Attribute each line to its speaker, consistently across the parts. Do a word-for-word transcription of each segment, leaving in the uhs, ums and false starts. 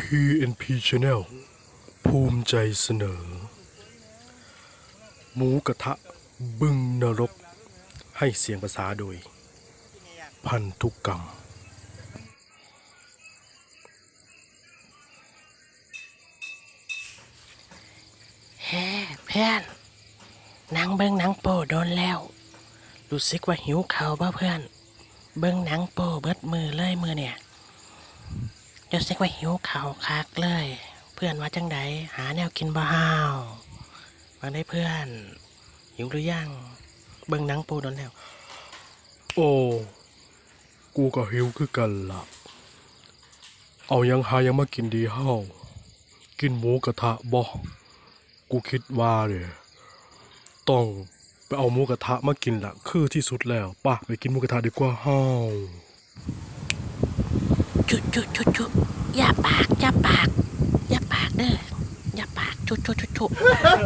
Speaker 1: พี เอ็น พี Channel ภูมิใจเสนอหมูกระทะบึงนรกให้เสียงภาษาโดยพันธุกรรม
Speaker 2: แฮ่เพื่อนหนังเบิ้งหนังโป้โดนแล้วรู้สึกว่าหิวข้าวบ่เพื่อนเบิ้งหนังโป้เบิดมือเลยมือเนี่ยรู้สึกว่าหิวข้าวคักเลย เพื่อนว่าจังใดหาแนวกินบ่ห้าวมาได้เพื่อนหิวหรือยังเบิ้งหนังโป้โดนแล้ว
Speaker 1: โอ้กูก็หิวคือกันล่ะเอายังหายังมากินดีเฮากินหมูกระทะบ่กูคิดว่าเนี่ยต้องไปเอาหมูกระทะมากินละคือที่สุดแล้วป่ะไปกินหมูกระทะดีกว่าเฮา
Speaker 2: จุดจุดจุดจุดอย่าปากอย่าปากอย่าปากเด้ออย่าปากจุดจุดจุดจุด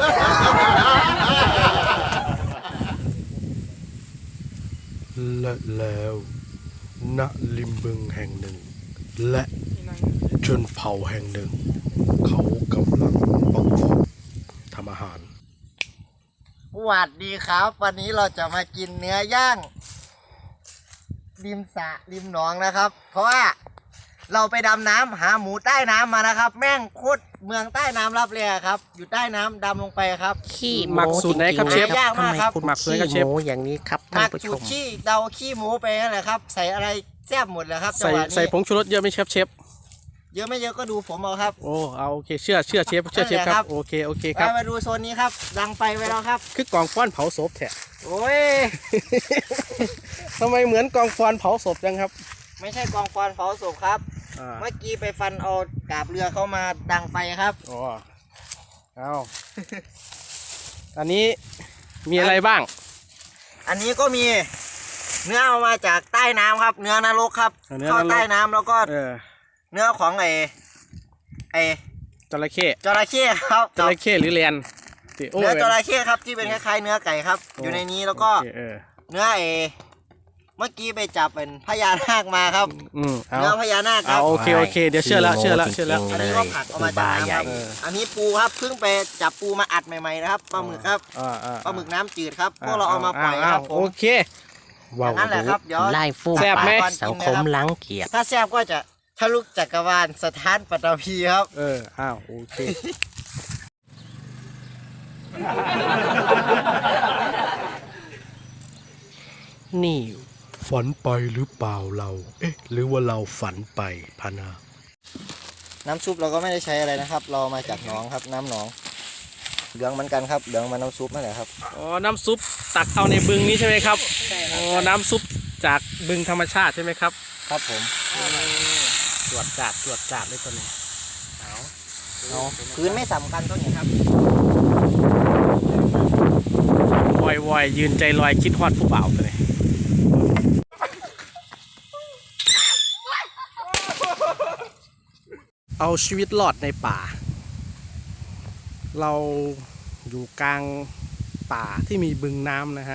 Speaker 1: และแล้วณริมบึงแห่งหนึ่งและชนเผ่าแห่งหนึ่งเขากำลังประกอบทำอาหาร
Speaker 3: สวัสดีครับ วันนี้เราจะมากินเนื้อย่างริมสระริมหนองนะครับ เพราะว่าเราไปดำน้ำหาหมูใต้น้ำมานะครับ แม่งโคตรเมืองใต้น้ำรับเลยครับอยู่ใต้น้ำดำลงไปครับ
Speaker 2: ขี้
Speaker 4: หมักสูตรไหนครับเชฟ
Speaker 3: ยากมากครับ
Speaker 2: ทำไคุณ
Speaker 4: หมักสูตรไหนครับเชฟ
Speaker 2: ขี้โม้อย่างนี้ครับ
Speaker 3: ห
Speaker 2: ท่าน
Speaker 3: มัก
Speaker 2: ผู้ช
Speaker 3: สูต
Speaker 2: ม
Speaker 3: รขี้เดาขี้หมูไปนั่นแหละครับ ใส่อะไรแซ่บหมดเลยครับจัง
Speaker 4: ใส่
Speaker 3: หวะ
Speaker 4: ใส่
Speaker 3: นี้
Speaker 4: ผงชูรสเยอะไหมครับเชฟ
Speaker 3: เยอะไม่เยอะก็ดูผมเอาครับ
Speaker 4: โอ้เอาโอเคเชื่อเชื่อเชฟเชื่อเชฟ
Speaker 3: นั่นแหละ
Speaker 4: ค
Speaker 3: ครั
Speaker 4: รับ บโอเคโอเคค
Speaker 3: ไป
Speaker 4: รับ
Speaker 3: มาดูโซนนี้ครับดังไฟไว้แล้วครับ
Speaker 4: คือกองฟอนเผาศพแท้
Speaker 3: โอ้ย
Speaker 4: ทำไมเหมือนกองฟอนเผาศพจังครับ
Speaker 3: ไม่ใช่กองฟอนเผาศพครับ
Speaker 4: อ่า
Speaker 3: เมื่อกี้ไปฟันเอากาบเรือเข้ามาดังไฟครับ
Speaker 4: อ๋อเอาอันนี้มีอะไรบ้าง
Speaker 3: อันนี้ก็มีเนื้อเอามาจากใต้น้ำครับ เนื้อนรกครับ
Speaker 4: เนื้อ
Speaker 3: เข้าน
Speaker 4: รก
Speaker 3: ใต้น้ำแล้วก็
Speaker 4: เออ
Speaker 3: เนื้อของไอ้ไอ้
Speaker 4: จระเข้
Speaker 3: จระเข้ครับ
Speaker 4: จระเข้หรือแลนติโอ้
Speaker 3: เนื้อจระเข้ครับที่เป็นคล้ายๆเนื้อไก่ครับ อยู่ในนี้แล้วก็
Speaker 4: โอเคเออ
Speaker 3: เนื้อไอ้เมื่อกี้ไปจับเป็นพญานาคมาครับ
Speaker 4: อืมเอา
Speaker 3: เนื้อพญานาคค
Speaker 4: เอา
Speaker 3: รับ
Speaker 4: โอเคโอเคเดี๋ยวเชื่อแล้วเชื่อแล้วเชื่อแล้ว
Speaker 3: อันนี้ก็ผักเอามาจากน้ำครับ
Speaker 4: เออ
Speaker 3: อันนี้ปูครับเพิ่งไปจับปูมาอัดใหม่ๆนะครับปลาหมึกครับ
Speaker 4: อ่าอ่า
Speaker 3: ปลาหมึกน้ำจืดครับพวกเราเอามาปล่อยครับผ
Speaker 4: โอ
Speaker 3: ม
Speaker 4: เค
Speaker 1: ว้าว
Speaker 3: นั่นแหละครับเดี๋ยว
Speaker 2: ไล่ฟูม
Speaker 4: แซ่บไหม
Speaker 2: ปากสังคมล้างเกียรติ
Speaker 3: ถ้าแซ่บก็จะทะลุจักรวาลสถานปัตตภีครับ
Speaker 4: เอออ้าวโอเค
Speaker 2: นี่
Speaker 1: ฝันไปหรือเปล่าเรา เอ๊ะ หรือว่าเราฝันไปพานา
Speaker 3: น้ำซุปเราก็ไม่ได้ใช้อะไรนะครับ เรามาจากหนองครับ น้ำหนองเหลืองเหมือนกันครับเหลืองมาน้ำซุปนั่นแหละครับ
Speaker 4: อ๋อ น้ำซุปตักเอาในบึงนี้ใช่ไหมครับ อ๋อ น้ำซุปจากบึงธรรมชาติใช่ไหมครับ
Speaker 3: ครับผม
Speaker 4: ตรวจจัดตรวจจัดเลยตัวนี้
Speaker 3: เอาพื้นไม่สำคัญตัวนี้ครับ
Speaker 4: วอยวอยยืนใจลอยคิดฮอดผู้บ่าวตัวนี้เอาชีวิตรอดในป่า เราอยู่กลางป่าที่มีบึงน้ำนะฮะ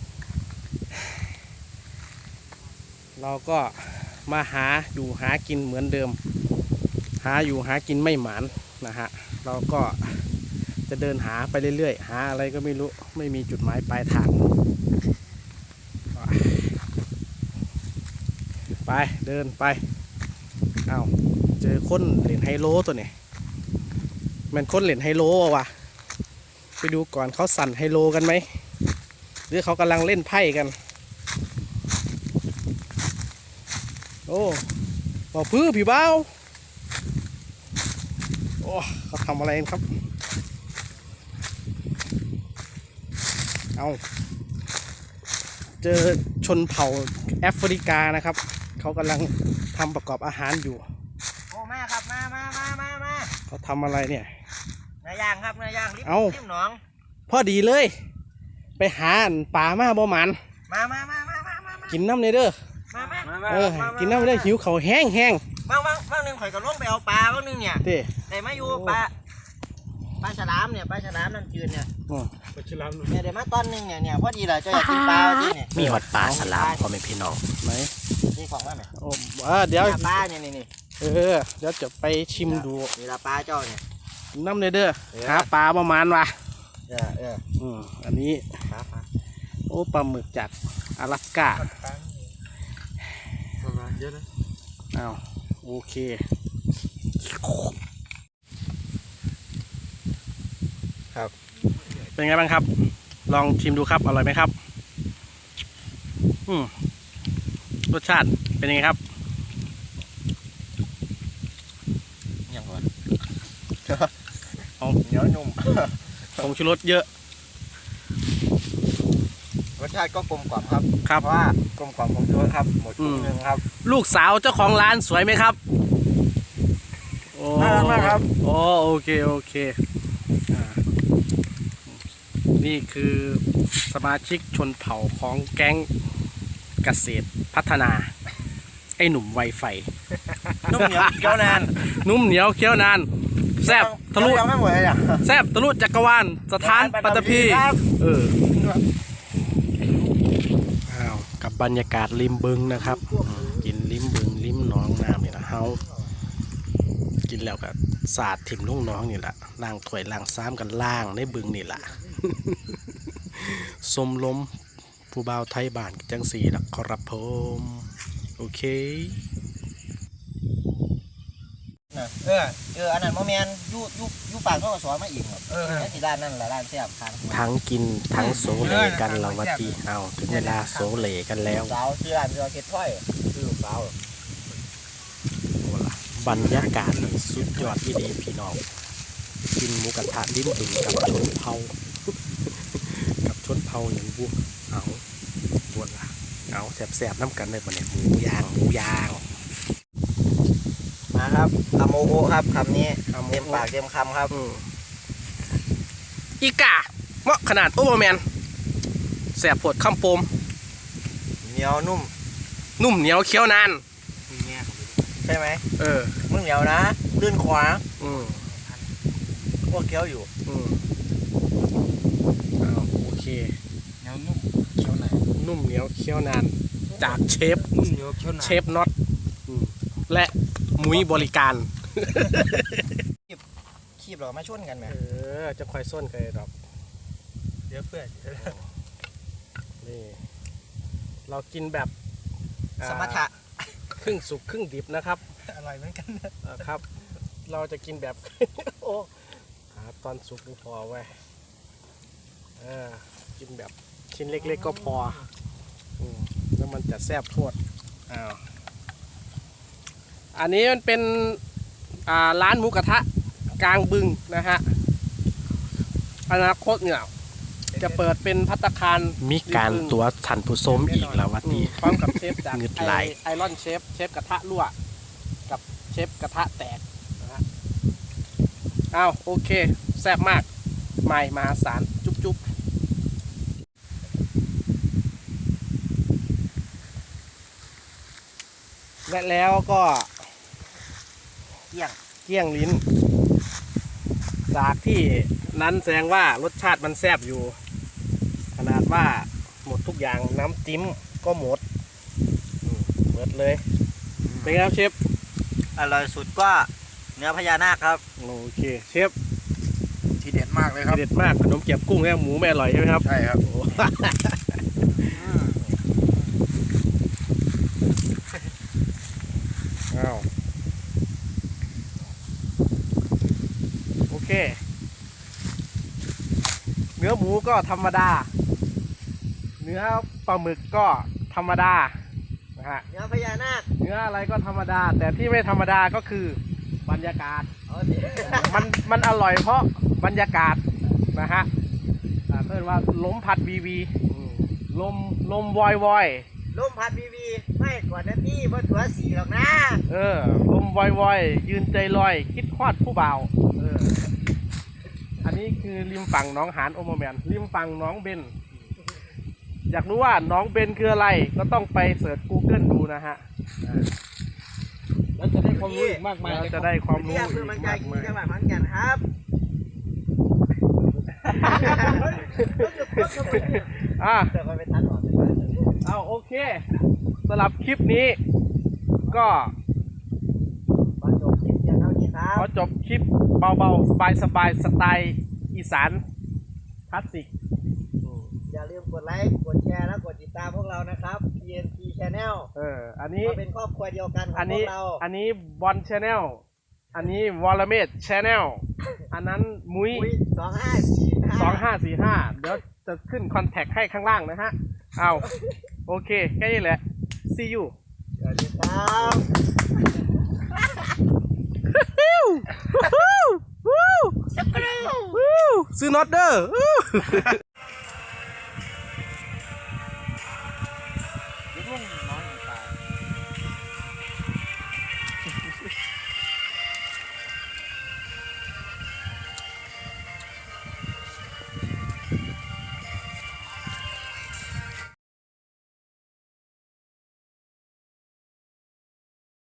Speaker 4: เราก็มาหาอยู่หากินเหมือนเดิม หาอยู่หากินไม่หมานนะฮะ เราก็จะเดินหาไปเรื่อยๆ หาอะไรก็ไม่รู้ ไม่มีจุดหมายปลายทาง ไปเดินไป เอาเจอคนเล่นไฮโลตัวนี้มันคนเล่นไฮโลวะไปดูก่อนเขาสั่นไฮโลกันไหมหรือเขากำลังเล่นไพ่กัน โอ้บอกพื้นพี่เบ้าโอ้เขาทำอะไรกันครับ เอาเจอชนเผ่าแอฟริกานะครับ เขากำลังทำประกอบอาหารอยู่
Speaker 3: โอ้มาครับมามามามามา
Speaker 4: เขาทำอะไรเนี่ย
Speaker 3: เนื้อย่างครับเนื้อย่างริม
Speaker 4: เอ้า
Speaker 3: ริมหนอง
Speaker 4: พอดีเลย ไปหาอันป่ามาบ่หมัน
Speaker 3: มามามามามามามา
Speaker 4: กินน้ำในเด้อ
Speaker 3: มามา
Speaker 4: เออกินน้ำในเด้อหิวเขาวแห้งแห้ง
Speaker 3: บางบางบางหนึงข่อยก็ลงไปเอาปลาบางหนึงเนี่ย
Speaker 4: เต้
Speaker 3: แต่มาอยู่ปลาปลาฉลามเนี่ยปลาฉลามน้ำจืดเนี่ย
Speaker 4: อ๋อ
Speaker 3: เนี่ยเดี๋ยวมาตอนหนึงเนี่ยเนี่ยพอดีเลยจะอยากกินปลาที่เนี่ย
Speaker 2: มีหอดปลาสลามพ่อแม่พี่น้อง
Speaker 4: ไหน
Speaker 3: นี่ของว่าไหม
Speaker 4: โอ้อ่าเดี๋ยว
Speaker 3: ปลาเนี่ยนี่นี่
Speaker 4: เออเดี๋ยวจะไปชิมดู
Speaker 3: นี่ละปลาเจ้าเนี่ย
Speaker 4: น้ำเลยเด้อ
Speaker 3: เออ
Speaker 4: หาปลาประมาณว่ะ
Speaker 3: เออเออ
Speaker 4: อืมอันนี้
Speaker 3: ปลาปลา
Speaker 4: โอ้ปลาหมึกจาก阿拉斯กา
Speaker 3: ประมาณเยอะนะ
Speaker 4: อ้าวโอเคครับเป็นไงบ้างครับ ลองชิมดูครับอร่อยไหมครับอืมรสชาติเป็นยังไงครับ
Speaker 3: ยังก่อน
Speaker 4: เอา
Speaker 3: เหนียวนุ่ม
Speaker 4: ผงชูรสเยอะ
Speaker 3: รสชาติก็กลมกล่อมครับ
Speaker 4: ครับ
Speaker 3: เพราะว่ากลมกล่อมของชูรสครับหมดถุงหนึ่งครับ
Speaker 4: ลูกสาวเจ้าของร้านสวยไหมครับโอ้
Speaker 3: น่ารักมากครับ
Speaker 4: โอ้โอเคโอเคอ่านี่คือสมาชิกชนเผ่าของแก๊งเกษตรพัฒนา ไอ้หนุ่มไวไฟ
Speaker 3: นุ่มเหนียวเคี้ยวนาน
Speaker 4: นุ่มเหนียวเคี้ยวนานแซบทะลุ
Speaker 3: ยังไม่หมดเลยอ่ะ
Speaker 4: แซบทะลุจักรวาลสถานปัตตภี
Speaker 3: ครับ
Speaker 4: เอออ้าวกับบรรยากาศริมบึงนะครับอืมกินริมบึงริมหนองน้ำนี่นะเฮากินแล้วก็สาดถิ่มลูกน้องนี่แหละล่างถ้วยล่างซ้ำกันล่างในบึงนี่แหละ สมลมผู้บ่าวไทยบ้านจังสีละครับผมโอเค
Speaker 3: เออเอออันนั้นโมเมนยูยูยูปากเขาก็สอนมาอีกครับเออนั่นสิด้านนั่นแหละด้านเสียบทาง
Speaker 4: ทั้งกินทั้งโซเลกันละวัตีเอาถึงเวลาโซเลกันแล้ว
Speaker 3: สาวชื่อร้านชื่อร้านเค็ดถ้อยชื่อลูกสาว
Speaker 4: บรรยากาศนี่สุดยอดที่ดีพี่น้องกินหมูกระทะริมบึงกับชนเผา กับชนเผาอย่างบุเอาปวดละเอาแสบๆน้ำกันเลยปะเนี่ยหมูย่างหมูย่าง
Speaker 3: มาครับอโมโอครับคำนี้
Speaker 4: อโมโอ
Speaker 3: เต็มปากเต็มคำครับ
Speaker 4: อืมอีกาเหมาะขนาดโอเวอร์แมนแสบปวดข้ามโปม
Speaker 3: เหนียวนุ่ม
Speaker 4: นุ่มเหนียวเคี้ยวนาน
Speaker 3: ใช่ไหม
Speaker 4: เออ
Speaker 3: มึงเหนียวนะลื่นขวา
Speaker 4: อืม
Speaker 3: พวกเคี้ยวอยู่
Speaker 4: อืมเอาโอเค
Speaker 3: เหนียวนุ่มเคี้ยวไหน
Speaker 4: นุ่มเหนียวเคี้ยวนาน จากเชฟ
Speaker 3: นุ่มเหนียวเคี้ยวไหน
Speaker 4: เชฟน็อตอืมและมุ้ยบริการ
Speaker 3: คีบเรามาชนกันไหม
Speaker 4: เออ จะคอยส้นกันดอก
Speaker 3: เดี๋ยวเพื่อน
Speaker 4: นี่ เรากินแบบอ่า
Speaker 3: สมถะ
Speaker 4: ครึ่งสุกครึ่งดิบนะครับ
Speaker 3: อร่อยเหมือนกัน
Speaker 4: อ่าครับ เราจะกินแบบ โอ้หาตอนสุกดูพอไว้เออกินแบบชิ้นเล็กๆก็พออืมแล้วมันจะแซ่บโทษอ้าวอันนี้มันเป็นอ่าร้านหมูกระทะกลางบึงนะฮะอนาคตเนี่ยจะเปิดเป็นภัตตาคารมีการตัวทันผู้ชมอีกแล้ววัตีพร้อมกับเชฟจาก
Speaker 1: เงือดไหล
Speaker 4: ไอรอนเชฟเชฟกระทะรั่วกับเชฟกระทะแตกนะฮะอ้าวโอเคแซ่บมากใหม่มหาศาลจุ๊บจุ๊บและแล้วก็
Speaker 3: เกี่ยง
Speaker 4: เกลี้ยงลิ้น จากที่นั้นแสดงว่ารสชาติมันแซ่บอยู่ ขนาดว่าหมดทุกอย่างน้ำจิ้มก็หมดอืมหมดเลย เป็นไงครับเชฟ
Speaker 3: อร่อยสุดก็เนื้อพญานาคครับ
Speaker 4: โอเคเชฟ
Speaker 3: ทีเด็ดมากเลยครับ
Speaker 4: เด็ดมากขนมเกี๊ยวกุ้งเนี่ยหมูไม่อร่อยใช่ไหมครับ
Speaker 3: ใช่ครับ
Speaker 4: โอ้ อ้าวโอเค เนื้อหมูก็ธรรมดา เนื้อปลาหมึกก็ธรรมดานะฮะ
Speaker 3: เนื้อพญานาค
Speaker 4: เนื้ออะไรก็ธรรมดา แต่ที่ไม่ธรรมดาก็คือบรรยากาศ
Speaker 3: เอาดิ
Speaker 4: มันมันอร่อยเพราะบรรยากาศนะฮะอ่าเพื่อนว่าลมพัดวีวีอืมลมลมวอยวอย
Speaker 3: ลมพัดวีวีไม่ก่อนนะพี่บนถัวสีหรอกนะ
Speaker 4: เออลมวอยวอยยืนใจลอย คิดคลอดผู้บ่าวเอออันนี้คือริมฝั่งหน้องหานโอโมแมนริมฝั่งหน้องเบนอยากรู้ว่าหน้องเบนคืออะไรก็ต้องไปเสิร์ช Google ดูนะฮะอ่า
Speaker 2: แล้วจะได้ความรู้อีกมากมาย
Speaker 4: เราจะได้ความรู้
Speaker 3: เรียก
Speaker 4: อี
Speaker 3: เพื่อก มันใจ
Speaker 4: มาก
Speaker 3: กิน
Speaker 4: มาย
Speaker 3: จังหวัดขอนแก่นครับ
Speaker 4: อ่ะ
Speaker 3: เดี๋ยวค่อยไปตัดออก
Speaker 4: เอาโอเคสำหรับคลิปนี้ก็จบคลิปเบาๆ สบายๆ สไตล์อีสานคลาสสิก
Speaker 3: อย่าลืมกดไลค์กดแชร์และกดติดตามพวกเรานะครับ ที เอ็น ที Channel
Speaker 4: เออ อันนี้
Speaker 3: เราเป็นครอบครัวเดียวกันของ
Speaker 4: อัน
Speaker 3: พ
Speaker 4: นี้
Speaker 3: วกเรา
Speaker 4: อันนี้บอลชาแนล อันนี้วอลเมดชาแนล อันนั้นมุ้ย
Speaker 3: อุ้ยสองห้าสี่ห้า
Speaker 4: สองห้าสี่ห้าเดี๋ยวจะขึ้นคอนแทคให้ข้างล่างนะฮะ เอาโอเค แค่นี้แหละ see you
Speaker 3: สวัสดีครับ
Speaker 4: ซื้อน็อตเดอร์